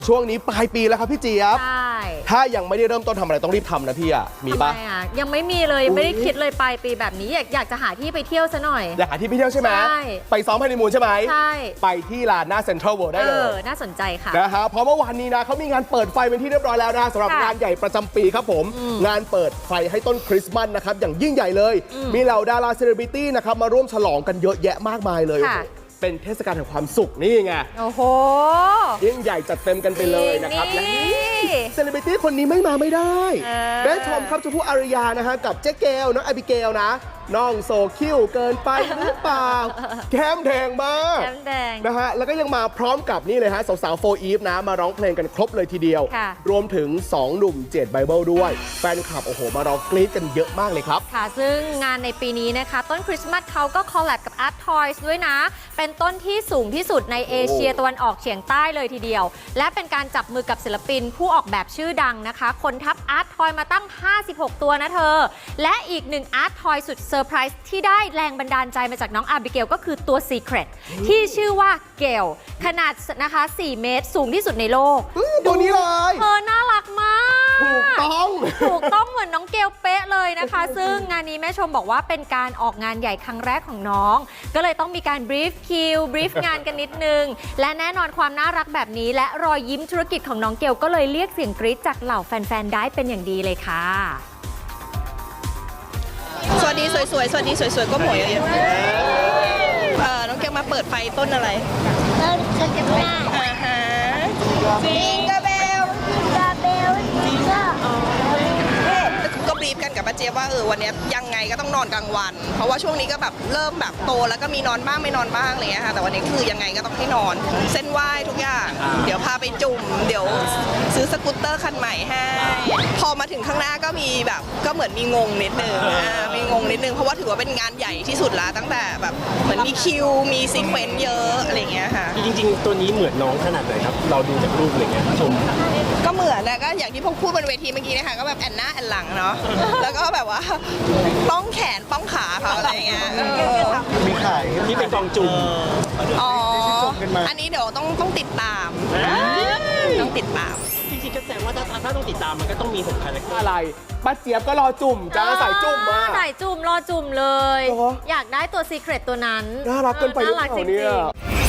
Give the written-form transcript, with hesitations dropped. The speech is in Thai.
ช่วงนี้ปลายปีแล้วครับพี่เจี๊ยบใช่ถ้ายังไม่ได้เริ่มต้นทำอะไรต้องรีบทำนะพี่อ่ะมีปะทำไมยังไม่มีเลยไม่ได้คิดเลยปลายปีแบบนี้อยากจะหาที่ไปเที่ยวซะหน่อยอยากหาที่ไปเที่ยวใช่ไหมใช่ไปซ้อมฮันนีมูนใช่ไหมใช่ไปที่ลานหน้าเซ็นทรัลเวิลด์ได้เลยน่าสนใจค่ะนะฮะเพราะเมื่อวานนี้นะเขามีงานเปิดไฟเป็นที่เรียบร้อยแล้วนะสำหรับค่ะงานใหญ่ประจำปีครับผม งานเปิดไฟให้ต้นคริสต์มาสนะครับอย่างยิ่งใหญ่เลย มีเหล่าดาราเซเลบริตี้นะครับมาร่วมฉลองกันเยอะแยะมากมายเลยค่ะเป็นเทศกาลแห่งความสุขนี่ไงโอ้โหยิ่งใหญ่จัดเต็มกันไปเลยนะครับและนี่เซเลบริตี้คนนี้ไม่มาไม่ได้อแม่ชมครับชมพู่อารยานะฮะกับเจ๊เกลน้องอบิเกลนะน้องโซคิวเกินไปหรือเปล่าแก้มแดงมากแก้มแดงนะฮะแล้วก็ยังมาพร้อมกับนี่เลยฮะสาวๆโฟอีฟนะมาร้องเพลงกันครบเลยทีเดียวค่ะรวมถึง 2 หนุ่มเจดไบเบิลด้วย แฟนคลับโอ้โหมารอกรี๊ดกันเยอะมากเลยครับค่ะซึ่งงานในปีนี้นะคะ ต้นคริสต์มาสเขาก็คอลแลบกับ Art Toys ด้วยนะ เป็นต้นที่สูงที่สุดในเอเชียตะวันออกเฉียงใต้เลยทีเดียว และเป็นการจับมือกับศิลปินผู้ออกแบบชื่อดังนะคะ คนทับ Art Toy มาตั้ง 56 ตัวนะเธอ และอีกหนึ่ง Art Toy สุดเซอร์ไพรส์ที่ได้แรงบันดาลใจมาจากน้องอาบิเกลก็คือตัว Secret ที่ชื่อว่าเกลขนาดนะคะ 4 เมตรสูงที่สุดในโลกตัวนี้เลยเธอน่ารักมากถูกต้องถูกต้องเหมือนน้องเกลเป๊ะเลยนะคะ ซึ่งงานนี้แม่ชมบอกว่าเป็นการออกงานใหญ่ครั้งแรกของน้อง ก็เลยต้องมีการบรีฟคิวบรีฟงานกันนิดนึง และแน่นอนความน่ารักแบบนี้ และรอยยิ้มธุรกิจของน้องเกลก็เลยเรียกเสียงกรี๊ดจากเหล่าแฟนๆได้เป็นอย่างดีเลยค่ะสวัสดีสวยๆ สวัสดีสวยๆ ก็หมวยเยอะๆน้องเกลมาเปิดไฟต้นอะไรต้นคริสต์มาสฮะจิงกะเบลกาเบลก็ก็บรีฟกันกับป้าเจี๊ยบว่าวันนี้ยังไงก็ต้องนอนกลางวัน เพราะว่าช่วงนี้ก็แบบเริ่มแบบโตแล้วก็มีนอนบ้างไม่นอนบ้างอะไรเงี้ยค่ะแต่วันนี้คือยังไงก็ต้องให้นอน เส้นไหว้ทุกอย่าง เดี๋ยวพาไปจุ่ม เดี๋ยวซื้อสกูตเตอร์คันใหม่ให้ พอมาถึงข้างหน้าก็มีแบบก็เหมือนมีงงนิดนึงมีงงนิดนึงเพราะว่าถือว่าเป็นงานใหญ่ที่สุดละตั้งแต่แบบเหมือนมีคิวมีซีเควนซ์เยอะอะไรเงี้ยค่ะจริงๆ ตัวนี้เหมือนน้องขนาดไหนครับ เราดูจากรูปอะไรเงี้ยชมก็เหมือนนะก็อย่างที่พวกพูดบนเวทีเมื่อกี้นะคะก็แบบแอนหน้าแอนหลังเนาะ แล้วก็แบบว่าป้องแขนป้องขาเขาอะไรเงี้ยมีขายที่เป็นกองจุ่มอ๋ออันนี้เดี๋ยวต้องติดตามต้องติดตามจริงๆ ก็แสดงว่าถ้าต้องติดตามมันก็ต้องมี6คาแรคเตอร์อะไรป้าเจี๊ยบก็รอจุ่มจ้าใส่จุ่มมาใส่จุ่มรอจุ่มเลยเหรออยากได้ตัว Secret ตัวนั้นน่ารักเกินไปหรือน่ารักเปจล่าเนี่ริยงๆ